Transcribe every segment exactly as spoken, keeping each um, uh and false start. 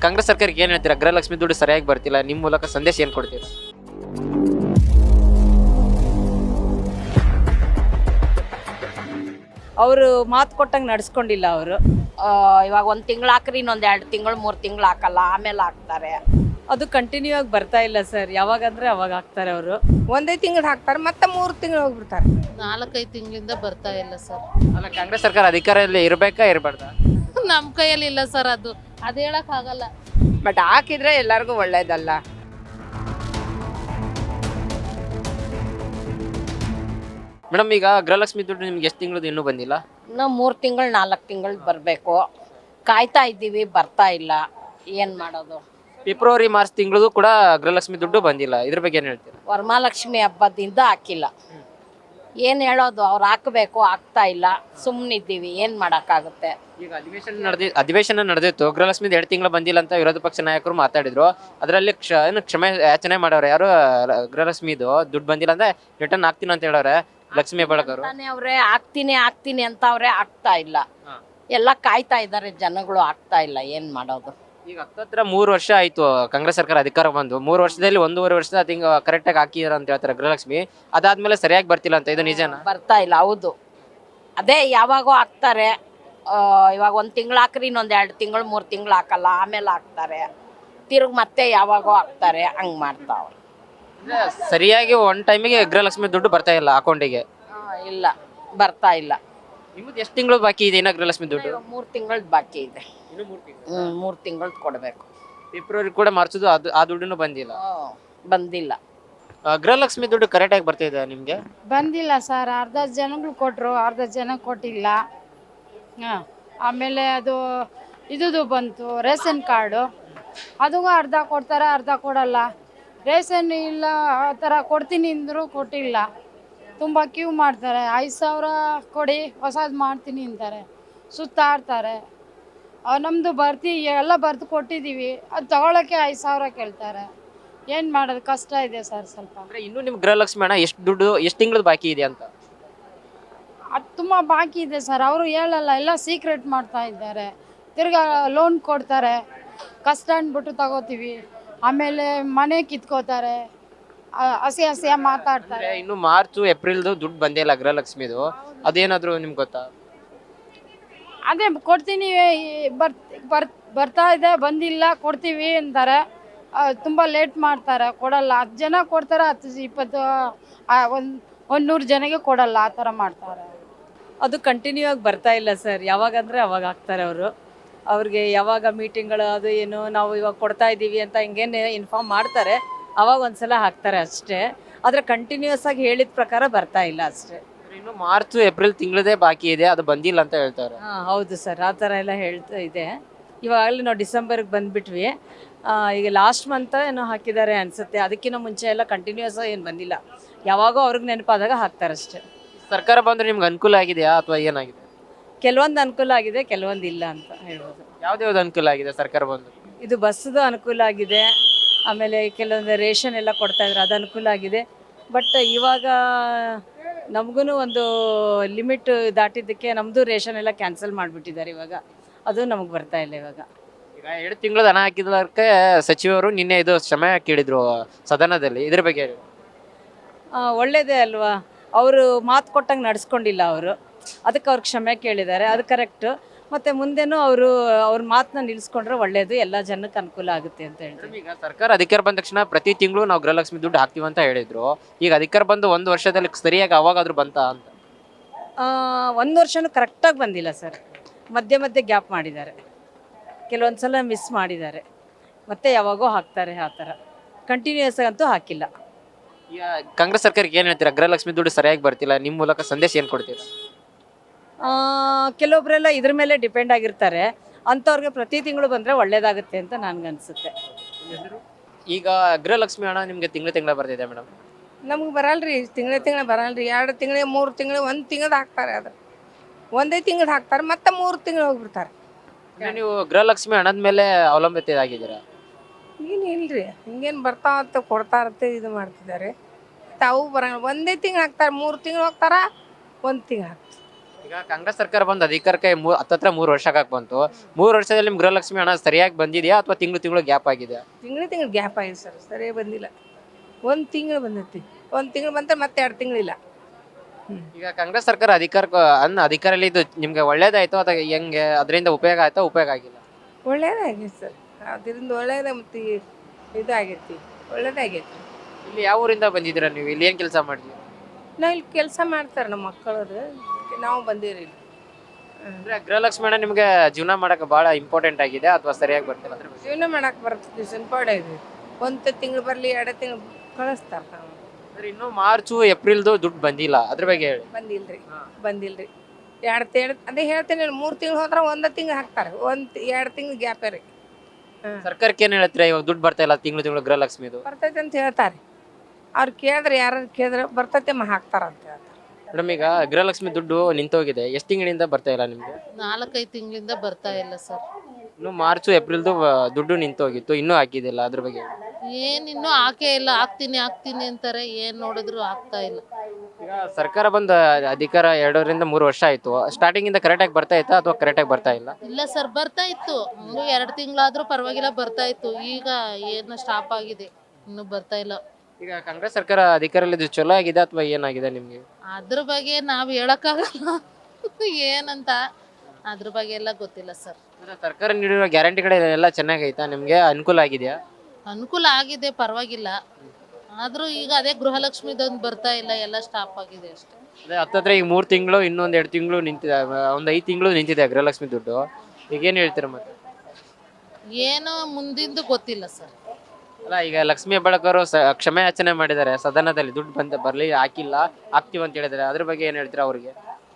ಕಾಂಗ್ರೆಸ್ ಸರ್ಕಾರಕ್ಕೆ ಏನು ಹೇಳ್ತೀರಾ? ಗೃಹಲಕ್ಷ್ಮಿ ದುಡ್ಡು ಸರಿಯಾಗಿ ಬರ್ತಿಲ್ಲ, ನಿಮ್ಮ ಮೂಲಕ ಸಂದೇಶ ಏನು ಕೊಡ್ತೀರಾ? ಅವರು ಮಾತು ಕೊಟ್ಟಂಗೆ ನಡ್ಸ್ಕೊಂಡಿಲ್ಲ ಅವರು. ಇವಾಗ ಒಂದು ತಿಂಗಳು ಹಾಕ್ರಿ, ಇನ್ನೊಂದು ಎರಡು ತಿಂಗಳು ಮೂರು ತಿಂಗಳು ಹಾಕಲ್ಲ, ಆಮೇಲೆ ಹಾಕ್ತಾರೆ. ಅದು ಕಂಟಿನ್ಯೂ ಆಗಿ ಬರ್ತಾ ಇಲ್ಲ ಸರ್. ಯಾವಾಗಂದ್ರೆ ಅವಾಗ ಹಾಕ್ತಾರೆ ಅವರು. ಒಂದೇ ತಿಂಗಳು ಹಾಕ್ತಾರೆ, ಮತ್ತೆ ಮೂರು ತಿಂಗಳು ಹೋಗ್ಬಿಡ್ತಾರೆ. ನಾಲ್ಕೈದು ತಿಂಗಳಿಂದ ಬರ್ತಾ ಇಲ್ಲ ಸರ್. ಅಲ್ಲ, ಕಾಂಗ್ರೆಸ್ ಸರ್ಕಾರ ಅಧಿಕಾರದಲ್ಲಿ ಇರಬೇಕಾ ಇರಬಾರ್ದಾ? ನಮ್ಮ ಕೈಯಲ್ಲಿ ಇಲ್ಲ ಸರ್, ಅದು ಅದು ಹೇಳಕ್ಕಾಗಲ್ಲ. ಬಟ್ ಹಾಕಿದ್ರೆ ಎಲ್ಲರಿಗೂ ಒಳ್ಳೇದಲ್ಲ. ಮೇಡಮ್, ಈಗ ಗೃಹಲಕ್ಷ್ಮಿ ದುಡ್ಡು ನಿಮ್ಗೆ ಎಷ್ಟು ತಿಂಗಳದ್ದು ಇನ್ನೂ ಬಂದಿಲ್ಲ? ಇನ್ನು ಮೂರು ತಿಂಗಳು ನಾಲ್ಕು ತಿಂಗಳು ಬರಬೇಕು. ಕಾಯ್ತಾ ಇದ್ದೀವಿ, ಬರ್ತಾ ಇಲ್ಲ. ಏನು ಮಾಡೋದು? ಫೆಬ್ರವರಿ ಮಾರ್ಚ್ ತಿಂಗಳದು ಕೂಡ ಗೃಹಲಕ್ಷ್ಮಿ ದುಡ್ಡು ಬಂದಿಲ್ಲ. ಇದ್ರ ಬಗ್ಗೆ ಏನು ಹೇಳ್ತೀರಾ? ವರಮಹಾಲಕ್ಷ್ಮಿ ಹಬ್ಬದಿಂದ ಹಾಕಿಲ್ಲ. ಏನು ಹೇಳೋದು? ಅವ್ರು ಹಾಕಬೇಕು, ಹಾಕ್ತಾ ಇಲ್ಲ. ಸುಮ್ಮನಿದ್ದೀವಿ, ಏನು ಮಾಡೋಕ್ಕಾಗುತ್ತೆ? ಈಗ ಅಧಿವೇಶನ ನಡೆದಿ ಅಧಿವೇಶನ ನಡೆದಿತ್ತು. ಗೃಹಲಕ್ಷ್ಮಿ ಎರಡು ತಿಂಗಳು ಬಂದಿಲ್ಲ ಅಂತ ವಿರೋಧ ಪಕ್ಷ ನಾಯಕರು ಮಾತಾಡಿದ್ರು. ಅದರಲ್ಲಿ ಕ್ಷ ಏನು ಕ್ಷಮೆ ಯಾಚನೆ ಮಾಡವ್ರೆ. ಯಾರು ಗೃಹಲಕ್ಷ್ಮಿದು ದುಡ್ಡು ಬಂದಿಲ್ಲ ಅಂದ್ರೆ ರಿಟರ್ನ್ ಹಾಕ್ತೀನಿ ಅಂತ ಹೇಳವ್ರೆ ಲಕ್ಷ್ಮಿ ಹೆಬ್ಬಾಳ್ಕರ್. ಅವ್ರೆ ಹಾಕ್ತೀನಿ ಹಾಕ್ತೀನಿ ಅಂತ ಅವ್ರೆ ಆಗ್ತಾ ಇಲ್ಲ. ಎಲ್ಲ ಕಾಯ್ತಾ ಇದ್ದಾರೆ ಜನಗಳು, ಆಗ್ತಾ ಇಲ್ಲ. ಏನು ಮಾಡೋದು? ಈಗ ಹತ್ತತ್ರ ಮೂರು ವರ್ಷ ಆಯ್ತು ಕಾಂಗ್ರೆಸ್ ಸರ್ಕಾರ ಅಧಿಕಾರ ಬಂದು. ಮೂರು ವರ್ಷದಲ್ಲಿ ಒಂದೂವರೆ ವರ್ಷದ ತಿಂಗ ಕರೆಕ್ಟಾಗಿ ಹಾಕಿದಾರೆ ಅಂತ ಹೇಳ್ತಾರೆ ಗೃಹಲಕ್ಷ್ಮಿ. ಅದಾದ್ಮೇಲೆ ಸರಿಯಾಗಿ ಬರ್ತಿಲ್ಲ ಅಂತ, ಇದು ನಿಜನಾ? ಬರ್ತಾ ಇಲ್ಲ. ಹೌದು, ಅದೇ ಯಾವಾಗೋ ಹಾಕ್ತಾರೆ. ಇವಾಗ ಒಂದು ತಿಂಗಳು ಹಾಕ್ರಿ, ಇನ್ನೊಂದು ಎರಡು ತಿಂಗಳು ಮೂರು ತಿಂಗಳು ಹಾಕಲ್ಲ, ಆಮೇಲೆ ಹಾಕ್ತಾರೆ. ತಿರುಗಿ ಮತ್ತೆ ಯಾವಾಗೋ ಹಾಕ್ತಾರೆ. ಹಂಗೆ ಮಾಡ್ತಾವ್ರೆ. ಸರಿಯಾಗಿ ಒನ್ ಟೈಮಿಗೆ ಗೃಹಲಕ್ಷ್ಮಿ ದುಡ್ಡು ಬರ್ತಾ ಇಲ್ಲ ಅಕೌಂಟಿಗೆ. ಇಲ್ಲ, ಬರ್ತಾ ಇಲ್ಲ. ನಿಮ್ಮದು ಎಷ್ಟು ತಿಂಗಳು ಬಾಕಿ ಇದೆ ಇನ್ನ ಗೃಹಲಕ್ಷ್ಮಿ ದುಡ್ಡು? ಮೂರು ತಿಂಗಳದ್ದು ಬಾಕಿ ಇದೆ. ಹ್ಞೂ, ಮೂರು ತಿಂಗಳದ್ದು ಕೊಡಬೇಕು. ಫೆಬ್ರವರಿ ಕೂಡ ಮಾರ್ಚದು ಅದು ಆ ದುಡ್ಡು ಬಂದಿಲ್ಲ. ಬಂದಿಲ್ಲ. ಆ, ಗೃಹಲಕ್ಷ್ಮಿ ದುಡ್ಡು ಕರೆಕ್ಟಾಗಿ ಬರ್ತಾ ಇದೆ ನಿಮಗೆ? ಬಂದಿಲ್ಲ ಸರ್. ಅರ್ಧ ಜನಗಳು ಕೊಟ್ಟರು, ಅರ್ಧ ಜನ ಕೊಟ್ಟಿಲ್ಲ. ಹಾಂ, ಆಮೇಲೆ ಅದು ಇದುದು ಬಂತು ರೇಷನ್ ಕಾರ್ಡು. ಅದು ಅರ್ಧ ಕೊಡ್ತಾರೆ, ಅರ್ಧ ಕೊಡಲ್ಲ. ರೇಷನ್ ಇಲ್ಲ ಆ ಥರ ಕೊಡ್ತೀನಿ ಅಂದರು, ಕೊಟ್ಟಿಲ್ಲ. ತುಂಬ ಕ್ಯೂ ಮಾಡ್ತಾರೆ. ಐದು ಸಾವಿರ ಕೊಡಿ, ಹೊಸದು ಮಾಡ್ತೀನಿ ಅಂತಾರೆ, ಸುತ್ತಾಡ್ತಾರೆ. ನಮ್ಮದು ಬರ್ತಿ ಎಲ್ಲ ಬರ್ದು ಕೊಟ್ಟಿದ್ದೀವಿ, ಅದು ತಗೊಳ್ಳೋಕ್ಕೆ ಐದು ಸಾವಿರ ಕೇಳ್ತಾರೆ. ಏನು ಮಾಡೋದು? ಕಷ್ಟ ಇದೆ ಸರ್ ಸ್ವಲ್ಪ. ಅಂದರೆ ಇನ್ನೂ ನಿಮ್ಮ ಗೃಹಲಕ್ಷ್ಮಿ ಹಣ ಎಷ್ಟು ದುಡ್ಡು ಎಷ್ಟು ತಿಂಗಳದ್ದು ಬಾಕಿ ಇದೆ ಅಂತ? ಅದು ತುಂಬ ಬಾಕಿ ಇದೆ ಸರ್. ಅವರು ಹೇಳಲ್ಲ, ಎಲ್ಲ ಸೀಕ್ರೆಟ್ ಮಾಡ್ತಾ ಇದ್ದಾರೆ. ತಿರ್ಗಾ ಲೋನ್ ಕೊಡ್ತಾರೆ, ಕಷ್ಟ ಅಂದ್ಬಿಟ್ಟು ತಗೋತೀವಿ. ಆಮೇಲೆ ಮನೆ ಕಿತ್ಕೋತಾರೆ, ಹಸಿ ಹಸಿಯ ಮಾತಾಡ್ತಾರೆ. ಇನ್ನು ಮಾರ್ಚ್ ಏಪ್ರಿಲ್ದು ದುಡ್ಡು ಬಂದೇ ಇಲ್ಲ ಗೃಹಲಕ್ಷ್ಮಿದು. ಅದೇನಾದರೂ ನಿಮ್ಗೆ ಗೊತ್ತಾ? ಅದೇ ಕೊಡ್ತೀನಿ, ಬರ್ ಬರ್ ಬರ್ತಾ ಇದೆ, ಬಂದಿಲ್ಲ, ಕೊಡ್ತೀವಿ ಅಂತಾರೆ. ತುಂಬ ಲೇಟ್ ಮಾಡ್ತಾರೆ, ಕೊಡಲ್ಲ. ಹತ್ತು ಜನ ಕೊಡ್ತಾರೆ, ಹತ್ತು ಇಪ್ಪತ್ತು ಒಂದು ಒಂದು ನೂರು ಜನಕ್ಕೆ ಕೊಡಲ್ಲ, ಆ ಥರ ಮಾಡ್ತಾರೆ. ಅದು ಕಂಟಿನ್ಯೂ ಆಗಿ ಬರ್ತಾ ಇಲ್ಲ ಸರ್. ಯಾವಾಗಂದ್ರೆ ಅವಾಗ ಹಾಕ್ತಾರೆ ಅವರು. ಅವ್ರಿಗೆ ಯಾವಾಗ ಮೀಟಿಂಗ್ಗಳು ಅದು ಏನು ನಾವು ಇವಾಗ ಕೊಡ್ತಾ ಇದ್ದೀವಿ ಅಂತ ಹಿಂಗೇನು ಇನ್ಫಾರ್ಮ್ ಮಾಡ್ತಾರೆ, ಅವಾಗ ಒಂದ್ಸಲ ಹಾಕ್ತಾರೆ ಅಷ್ಟೇ. ಆದರೆ ಕಂಟಿನ್ಯೂಸ್ ಆಗಿ ಹೇಳಿದ ಪ್ರಕಾರ ಬರ್ತಾ ಇಲ್ಲ ಅಷ್ಟೇ. ಇನ್ನು ಮಾರ್ಚ್ ಏಪ್ರಿಲ್ ತಿಂಗಳದೇ ಬಾಕಿ ಇದೆ, ಅದು ಬಂದಿಲ್ಲ ಅಂತ ಹೇಳ್ತಾರೆ. ಹಾಂ, ಹೌದು ಸರ್, ಆ ಥರ ಎಲ್ಲ ಹೇಳ್ತಾ ಇದೆ. ಇವಾಗಲೇ ನಾವು ಡಿಸೆಂಬರ್ಗೆ ಬಂದುಬಿಟ್ವಿ. ಈಗ ಲಾಸ್ಟ್ ಮಂತ್ ಏನೋ ಹಾಕಿದ್ದಾರೆ ಅನಿಸುತ್ತೆ. ಅದಕ್ಕಿಂತ ಮುಂಚೆ ಎಲ್ಲ ಕಂಟಿನ್ಯೂಸ್ ಏನು ಬಂದಿಲ್ಲ. ಯಾವಾಗೋ ಅವ್ರಿಗೆ ನೆನಪಾದಾಗ ಹಾಕ್ತಾರೆ ಅಷ್ಟೇ. ಸರ್ಕಾರ ಬಂದರೆ ನಿಮ್ಗೆ ಅನುಕೂಲ ಆಗಿದೆಯಾ ಅಥವಾ ಏನಾಗಿದೆ? ಕೆಲವೊಂದು ಅನುಕೂಲ ಆಗಿದೆ, ಕೆಲವೊಂದು ಇಲ್ಲ ಅಂತ ಹೇಳ್ಬೋದು. ಯಾವ್ದು ಅನುಕೂಲ ಆಗಿದೆ ಸರ್ಕಾರ ಬಂದು? ಇದು ಬಸ್ಸದು ಅನುಕೂಲ ಆಗಿದೆ. ಆಮೇಲೆ ಕೆಲವೊಂದು ರೇಷನ್ ಎಲ್ಲ ಕೊಡ್ತಾಯಿದ್ರು, ಅದು ಅನುಕೂಲ ಆಗಿದೆ. ಬಟ್ ಇವಾಗ ನಮಗೂ ಒಂದು ಲಿಮಿಟ್ ದಾಟಿದ್ದಕ್ಕೆ ನಮ್ಮದು ರೇಷನ್ ಎಲ್ಲ ಕ್ಯಾನ್ಸಲ್ ಮಾಡಿಬಿಟ್ಟಿದ್ದಾರೆ ಇವಾಗ. ಅದು ನಮಗೆ ಬರ್ತಾ ಇಲ್ಲ ಇವಾಗ. ಈಗ ಎರಡು ತಿಂಗಳು ಹಣ ಹಾಕಿದ್ದಕ್ಕೆ ಸಚಿವರು ನಿನ್ನೆ ಇದು ಕ್ಷಮೆ ಕೇಳಿದ್ರು ಸದನದಲ್ಲಿ. ಇದ್ರ ಬಗ್ಗೆ ಹೇಳಿ. ಒಳ್ಳೇದೇ ಅಲ್ವಾ? ಅವರು ಮಾತು ಕೊಟ್ಟಂಗೆ ನಡ್ಸ್ಕೊಂಡಿಲ್ಲ ಅವರು, ಅದಕ್ಕೆ ಅವ್ರು ಕ್ಷಮೆ ಕೇಳಿದ್ದಾರೆ. ಅದು ಕರೆಕ್ಟು. ಮತ್ತು ಮುಂದೆನೂ ಅವರು ಅವ್ರ ಮಾತನ್ನ ನಿಲ್ಲಿಸ್ಕೊಂಡ್ರೆ ಒಳ್ಳೇದು, ಎಲ್ಲ ಜನಕ್ಕೆ ಅನುಕೂಲ ಆಗುತ್ತೆ ಅಂತ ಹೇಳ್ತೀವಿ. ಈಗ ಸರ್ಕಾರ ಅಧಿಕಾರ ಬಂದ ತಕ್ಷಣ ಪ್ರತಿ ತಿಂಗಳು ನಾವು ಗೃಹಲಕ್ಷ್ಮಿ ದುಡ್ಡು ಹಾಕ್ತೀವಿ ಅಂತ ಹೇಳಿದ್ರು. ಈಗ ಅಧಿಕಾರ ಬಂದು ಒಂದು ವರ್ಷದಲ್ಲಿ ಸರಿಯಾಗಿ ಅವಾಗಾದ್ರೂ ಬಂತ ಅಂತ? ಒಂದು ವರ್ಷನೂ ಕರೆಕ್ಟಾಗಿ ಬಂದಿಲ್ಲ ಸರ್. ಮಧ್ಯೆ ಮಧ್ಯೆ ಗ್ಯಾಪ್ ಮಾಡಿದ್ದಾರೆ, ಕೆಲವೊಂದು ಸಲ ಮಿಸ್ ಮಾಡಿದ್ದಾರೆ, ಮತ್ತೆ ಯಾವಾಗೋ ಹಾಕ್ತಾರೆ. ಆ ಥರ ಕಂಟಿನ್ಯೂಸ್ ಅಂತೂ ಹಾಕಿಲ್ಲ. ಈಗ ಕಾಂಗ್ರೆಸ್ ಸರ್ಕಾರಕ್ಕೆ ಏನು ಹೇಳ್ತೀರಾ? ಗೃಹಲಕ್ಷ್ಮಿ ದುಡ್ಡು ಸರಿಯಾಗಿ ಬರ್ತಿಲ್ಲ, ನಿಮ್ಮ ಮೂಲಕ ಸಂದೇಶ ಏನು ಕೊಡ್ತೀರಾ? ಕೆಲವೊಬ್ಬರೆಲ್ಲ ಇದ್ರ ಮೇಲೆ ಡಿಪೆಂಡ್ ಆಗಿರ್ತಾರೆ. ಅಂಥವ್ರಿಗೆ ಪ್ರತಿ ತಿಂಗಳು ಬಂದರೆ ಒಳ್ಳೇದಾಗುತ್ತೆ ಅಂತ ನನಗನ್ಸುತ್ತೆ. ಈಗ ಗೃಹಲಕ್ಷ್ಮಿ ಹಣ ನಿಮಗೆ ತಿಂಗಳು ತಿಂಗಳ ಬರ್ತಿದೆ ಮೇಡಮ್? ನಮ್ಗೆ ಬರಲ್ರಿ, ತಿಂಗಳ ತಿಂಗಳ ಬರಲ್ರಿ. ಎರಡು ತಿಂಗಳಿಗೆ ಮೂರು ತಿಂಗಳು ಒಂದು ತಿಂಗಳು ಹಾಕ್ತಾರೆ. ಅದು ಒಂದೇ ತಿಂಗಳು ಹಾಕ್ತಾರೆ, ಮತ್ತೆ ಮೂರು ತಿಂಗಳು ಹೋಗ್ಬಿಡ್ತಾರೆ. ನೀವು ಗೃಹಲಕ್ಷ್ಮಿ ಹಣದ ಮೇಲೆ ಅವಲಂಬಿತ ಆಗಿದ್ದೀರಾ? ಏನು ಇಲ್ರಿ, ಹಿಂಗೇನು ಬರ್ತಾ ಇರುತ್ತೆ, ಕೊಡ್ತಾ ಇರುತ್ತೆ, ಇದು ಮಾಡ್ತಿದ್ದಾರೆ. ತಾವು ಬರಂಗ ಒಂದೇ ತಿಂಗಳು ಹಾಕ್ತಾರೆ, ಮೂರು ತಿಂಗಳು ಹೋಗ್ತಾರ, ಒಂದು ತಿಂಗಳು ಹಾಕ್ತಾರೆ. ಈಗ ಕಾಂಗ್ರೆಸ್ ಸರ್ಕಾರ ಬಂದು ಅಧಿಕಾರಕ್ಕೆ ಮೂ ಹತ್ತತ್ರ ಮೂರು ವರ್ಷ ಆಗಾಕ್ ಬಂತು. ಮೂರು ವರ್ಷದಲ್ಲಿ ನಿಮ್ ಗೃಹಲಕ್ಷ್ಮಿ ಹಣ ಸರಿಯಾಗಿ ಬಂದಿದೆಯಾ ಅಥವಾ ತಿಂಗಳು ತಿಂಗಳು ಗ್ಯಾಪ್ ಆಗಿದೆ? ತಿಂಗಳು ತಿಂಗಳು ಗ್ಯಾಪ್ ಆಗಿದೆ ಸರ್, ಸರಿಯಾಗಿ ಬಂದಿಲ್ಲ. ಒಂದು ತಿಂಗಳು ಬಂದೈತಿ, ಒಂದು ತಿಂಗಳು ಬಂತ ಮತ್ತೆ ಎರಡು ತಿಂಗಳಿಲ್ಲ. ಈಗ ಕಾಂಗ್ರೆಸ್ ಸರ್ಕಾರ ಅಧಿಕಾರಕ್ಕೆ ಅನ್ನ ಅಧಿಕಾರಲ್ಲಿ ಇದು ನಿಮ್ಗೆ ಒಳ್ಳೇದಾಯ್ತು ಅಥವಾ ಹೆಂಗೆ ಅದರಿಂದ ಉಪಯೋಗ ಆಯ್ತಾ ಉಪಯೋಗ ಆಗಿಲ್ಲ? ಒಳ್ಳೇದಾಗೈತೆ ಸರ್, ಅದರಿಂದ ಒಳ್ಳೇದ ಮತ್ತು ಇದಾಗೈತಿ, ಒಳ್ಳೇದಾಗೈತಿ. ಇಲ್ಲಿ ಯಾವ ಊರಿಂದ ಬಂದಿದ್ದೀರಾ ನೀವು? ಇಲ್ಲಿ ಏನ್ ಕೆಲಸ ಮಾಡಿದ್ರಿ? ನಾವು ಇಲ್ಲಿ ಕೆಲಸ ಮಾಡ್ತಾರೆ ನಮ್ಮ ಮಕ್ಕಳದು, ನಾವು ಬಂದಿರಿ ಇಲ್ಲಿ. ಅಂದ್ರೆ ಗೃಹಲಕ್ಷ್ಮಿ ಹಣ ನಿಮ್ಗೆ ಜೀವನ ಮಾಡಕ್ಕೆ ಬಹಳ ಇಂಪಾರ್ಟೆಂಟ್ ಆಗಿದೆ ಅಥವಾ ಸರಿಯಾಗಿ ಬರ್ತಿಲ್ಲ ಅದ್ರ ಬಗ್ಗೆ? ಜೀವನ ಮಾಡಕ್ಕೆ ಬರ್ತದೆ, ಸಿಂಪಾಡ ಇದೆ. ಒಂದು ತಿಂಗಳು ಬರಲಿ ಎರಡು ತಿಂಗಳು ಕಳಿಸ್ತಾರೆ. ನಾವು ಅಂದ್ರೆ ಇನ್ನು ಮಾರ್ಚು ಏಪ್ರಿಲ್ದು ದುಡ್ಡು ಬಂದಿಲ್ಲ, ಅದ್ರ ಬಗ್ಗೆ ಹೇಳಿ. ಬಂದಿಲ್ರಿ, ಬಂದಿಲ್ರಿ. ಎರಡು ತಿಂಗಳು ಅದೇ ಹೇಳ್ತೀನಿ, ಮೂರು ತಿಂಗಳು ಹೋದ್ರೆ ಒಂದು ತಿಂಗಳು ಹಾಕ್ತಾರೆ, ಒಂದು ಎರಡು ತಿಂಗಳು ಗ್ಯಾಪೇ ರೀ. ಸರ್ಕಾರಕ್ಕೆ ಏನ್ ಹೇಳ್ತೀರಾ ಇವಾಗ ದುಡ್ಡು ಬರ್ತಾ ಇಲ್ಲ ತಿಂಗಳು ತಿಂಗಳು ಗೃಹಲಕ್ಷ್ಮಿದು? ಬರ್ತೈತೆ ಅಂತ ಹೇಳ್ತಾರೆ. ಅವ್ರು ಕೇಳಿದ್ರೆ ಯಾರು ಕೇಳಿದ್ರೆ ಬರ್ತೈತೆ ಮ ಹಾಕ್ತಾರ ಅಂತ ಹೇಳ್ತಾರೆ. ಮೇಡಮ್ ಈಗ ಗೃಹಲಕ್ಷ್ಮಿ ದುಡ್ಡು ನಿಂತೋಗಿದೆ, ಎಷ್ಟು ತಿಂಗಳಿಂದ ಬರ್ತಾ ಇಲ್ಲ ನಿಮ್ಗೆ? ನಾಲ್ಕೈದು ತಿಂಗಳಿಂದ ಬರ್ತಾ ಇಲ್ಲ ಸರ್. ಇನ್ನು ಮಾರ್ಚು ಏಪ್ರಿಲ್ದು ದುಡ್ಡು ನಿಂತೋಗಿತ್ತು, ಇನ್ನೂ ಹಾಕಿದಿಲ್ಲ, ಅದ್ರ ಬಗ್ಗೆ ಹೇಳಿ. ಏನ್ ಇನ್ನೂ ಹಾಕೇ ಇಲ್ಲ, ಹಾಕ್ತೀನಿ ಹಾಕ್ತೀನಿ ಅಂತಾರೆ, ಏನ್ ನೋಡಿದ್ರು ಆಗ್ತಾ ಇಲ್ಲ. ಈಗ ಸರ್ಕಾರ ಬಂದ ಅಧಿಕಾರ ಎರಡರಿಂದ ಮೂರು ವರ್ಷ ಆಯ್ತು. ಸ್ಟಾರ್ಟಿಂಗ್ ಇಂದ ಕರೆಕ್ಟ್ ಆಗಿ ಬರ್ತಾ ಇತ್ತಾ ಅಥವಾ ಕರೆಕ್ಟ್ ಆಗಿ ಬರ್ತಾ ಇಲ್ಲ? ಇಲ್ಲ ಸರ್, ಬರ್ತಾ ಇತ್ತು, ಹಂಗೂ ಎರಡು ತಿಂಗಳಾದ್ರೂ ಪರವಾಗಿಲ್ಲ ಬರ್ತಾ ಇತ್ತು. ಈಗ ಏನು ಸ್ಟಾಪ್ ಆಗಿದೆ, ಇನ್ನು ಬರ್ತಾ ಇಲ್ಲ. ಈಗ ಕಾಂಗ್ರೆಸ್ ಸರ್ಕಾರ ಅಧಿಕಾರದಲ್ಲಿ ಚಲೋ ಆಗಿದೆ ಅಥವಾ ಏನಾಗಿದೆ ನಿಮ್ಗೆ? ಅದ್ರ ಬಗ್ಗೆ ನಾವ್ ಹೇಳಕ್ಕಾಗಲ್ಲ ಏನಂತ, ಅದ್ರ ಬಗ್ಗೆ ಎಲ್ಲ ಗೊತ್ತಿಲ್ಲ ಸರ್. ಅಂದ್ರೆ ಸರ್ಕಾರ ನೀಡಿರೋ ಗ್ಯಾರಂಟಿಗಳೆಲ್ಲ ಚೆನ್ನಾಗೈತಾ, ನಿಮ್ಗೆ ಅನುಕೂಲ ಆಗಿದೆಯಾ? ಅನುಕೂಲ ಆಗಿದೆ, ಪರವಾಗಿಲ್ಲ. ಆದ್ರೂ ಈಗ ಅದೇ ಗೃಹಲಕ್ಷ್ಮಿದೊಂದು ಬರ್ತಾ ಇಲ್ಲ, ಎಲ್ಲ ಸ್ಟಾಪ್ ಆಗಿದೆ ಅಷ್ಟೇ. ಅದೇ ಹತ್ತತ್ರ ಈಗ ಮೂರು ತಿಂಗಳು ಇನ್ನೊಂದ್ ಎರಡು ತಿಂಗಳು ನಿಂತಿದೆ, ಒಂದ್ ಐದು ತಿಂಗಳು ನಿಂತಿದೆ ಗೃಹಲಕ್ಷ್ಮಿ ದುಡ್ಡು. ಈಗ ಏನ್ ಹೇಳ್ತೀರಾ ಮತ್ತೆ? ಏನು ಮುಂದಿಂದು ಗೊತ್ತಿಲ್ಲ ಸರ್. ಅಲ್ಲ ಈಗ ಲಕ್ಷ್ಮೀ ಹೆಬ್ಬಾಳ್ಕರ್ ಕ್ಷಮೆ ಯಾಚನೆ ಮಾಡಿದ್ದಾರೆ ಸದನದಲ್ಲಿ, ದುಡ್ಡು ಬಂದ ಬರ್ಲಿ ಹಾಕಿಲ್ಲ ಹಾಕ್ತಿವಿ ಅಂತ ಹೇಳಿದಾರೆ, ಅದ್ರ ಬಗ್ಗೆ ಏನ್ ಹೇಳ್ತೀರಾ ಅವ್ರಿಗೆ?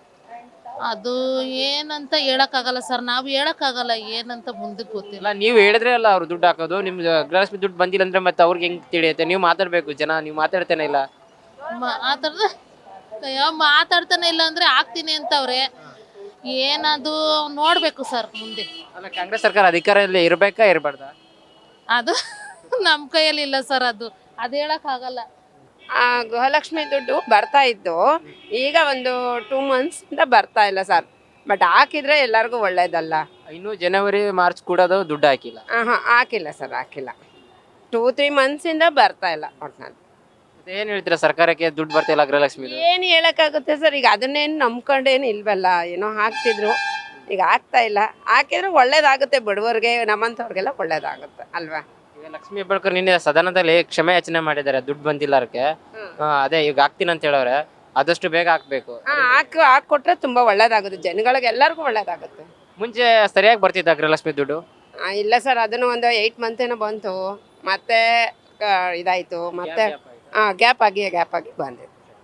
ಅದು ಏನಂತ ಹೇಳಕ್ಕಾಗಲ್ಲ ಸರ್, ನಾವು ಹೇಳಕ್ಕಾಗಲ್ಲ ಏನಂತ ಮುಂದಕ್ಕೆ ಗೊತ್ತಿಲ್ಲ. ಅಲ್ಲ ನೀವು ಹೇಳಿದ್ರೆ ಅಲ್ಲ ಅವ್ರು ದುಡ್ಡು ಹಾಕೋದು, ನಿಮ್ ಗೃಹಲಕ್ಷ್ಮಿ ದುಡ್ಡು ಬಂದಿಲ್ಲ ಅಂದ್ರೆ ಮತ್ತೆ ಅವ್ರಿಗೆ ಹೆಂಗ್ ತಿಳಿಯುತ್ತೆ? ನೀವು ಮಾತಾಡ್ಬೇಕು, ಜನ ನೀವು ಮಾತಾಡ್ತೇನೆ ಇಲ್ಲ. ಮಾತಾಡ್ದ ಮಾತಾಡ್ತಾನೆ ಇಲ್ಲ ಅಂದ್ರೆ ಆಗ್ತೀನಿ ಅಂತವ್ರೆ, ಏನದು ನೋಡ್ಬೇಕು ಸರ್ ಮುಂದೆ. ಅಲ್ಲ ಕಾಂಗ್ರೆಸ್ ಸರ್ಕಾರ ಅಧಿಕಾರದಲ್ಲಿ ಇರ್ಬೇಕಾ ಇರಬಾರ್ದಾ? ಅದು ನಮ್ಮ ಕೈಯಲ್ಲಿ ಇಲ್ಲ ಸರ್, ಅದು ಅದು ಹೇಳಕ್ಕಾಗಲ್ಲ. ಆ ಗೃಹಲಕ್ಷ್ಮಿ ದುಡ್ಡು ಬರ್ತಾ ಇತ್ತು, ಈಗ ಒಂದು ಟೂ ಮಂತ್ಸಿಂದ ಬರ್ತಾ ಇಲ್ಲ ಸರ್. ಬಟ್ ಹಾಕಿದ್ರೆ ಎಲ್ಲರಿಗೂ ಒಳ್ಳೇದಲ್ಲ. ಇನ್ನು ಜನವರಿ ಮಾರ್ಚ್ ಕೂಡೋದು ದುಡ್ಡು ಹಾಕಿಲ್ಲ. ಹಾಂ ಹಾಕಿಲ್ಲ ಸರ್, ಹಾಕಿಲ್ಲ. ಟೂ ತ್ರೀ ಮಂತ್ಸಿಂದ ಬರ್ತಾ ಇಲ್ಲ ಒಟ್ನಲ್ಲಿ. ಏನ್ ಹೇಳ್ತೀರಾ ಸರ್ಕಾರಕ್ಕೆ ದುಡ್ಡು ಬರ್ತಾ ಇಲ್ಲ ಗೃಹಲಕ್ಷ್ಮಿ? ಏನು ಹೇಳೋಕ್ಕಾಗುತ್ತೆ ಸರ್, ಈಗ ಅದನ್ನೇನು ನಂಬ್ಕೊಂಡೇನು ಇಲ್ವಲ್ಲ, ಏನೋ ಹಾಕ್ತಿದ್ರು, ಈಗ ಆಗ್ತಾ ಇಲ್ಲ. ಹಾಕಿದ್ರೆ ಒಳ್ಳೇದಾಗುತ್ತೆ, ಬಡವರಿಗೆ ನಮ್ಮಂಥವ್ರಿಗೆಲ್ಲ ಒಳ್ಳೇದಾಗುತ್ತೆ ಅಲ್ವಾ? ಈಗ ಲಕ್ಷ್ಮೀ ಹೆಬ್ಬಾಳ್ಕರ್ ನಿನ್ನೆ ಸದನದಲ್ಲಿ ಕ್ಷಮೆ ಯಾಚನೆ ಮಾಡಿದ್ದಾರೆ ದುಡ್ಡು ಬಂದಿಲ್ಲ ಅದಕ್ಕೆ. ಅದೇ ಈಗ ಹಾಕ್ತೀನಿ ಅಂತ ಹೇಳವ್ರೆ, ಆದಷ್ಟು ಬೇಗ ಹಾಕ್ಬೇಕು. ಹಾಂ ಹಾಕಿ ಹಾಕ್ಕೊಟ್ರೆ ತುಂಬ ಒಳ್ಳೇದಾಗುತ್ತೆ, ಜನಗಳಿಗೆ ಎಲ್ಲರಿಗೂ ಒಳ್ಳೇದಾಗುತ್ತೆ. ಮುಂಚೆ ಸರಿಯಾಗಿ ಬರ್ತಿದ್ದ ಗೃಹಲಕ್ಷ್ಮಿ ದುಡ್ಡು? ಆ, ಇಲ್ಲ ಸರ್, ಅದನ್ನು ಒಂದು ಏಯ್ಟ್ ಮಂತ್ ಏನೋ ಬಂತು, ಮತ್ತೆ ಕ- ಇದಾಯ್ತು, ಮತ್ತೆ ಹಾಂ ಗ್ಯಾಪ್ ಆಗಿ ಗ್ಯಾಪ್ ಆಗಿ ಬಂದಿದೆ.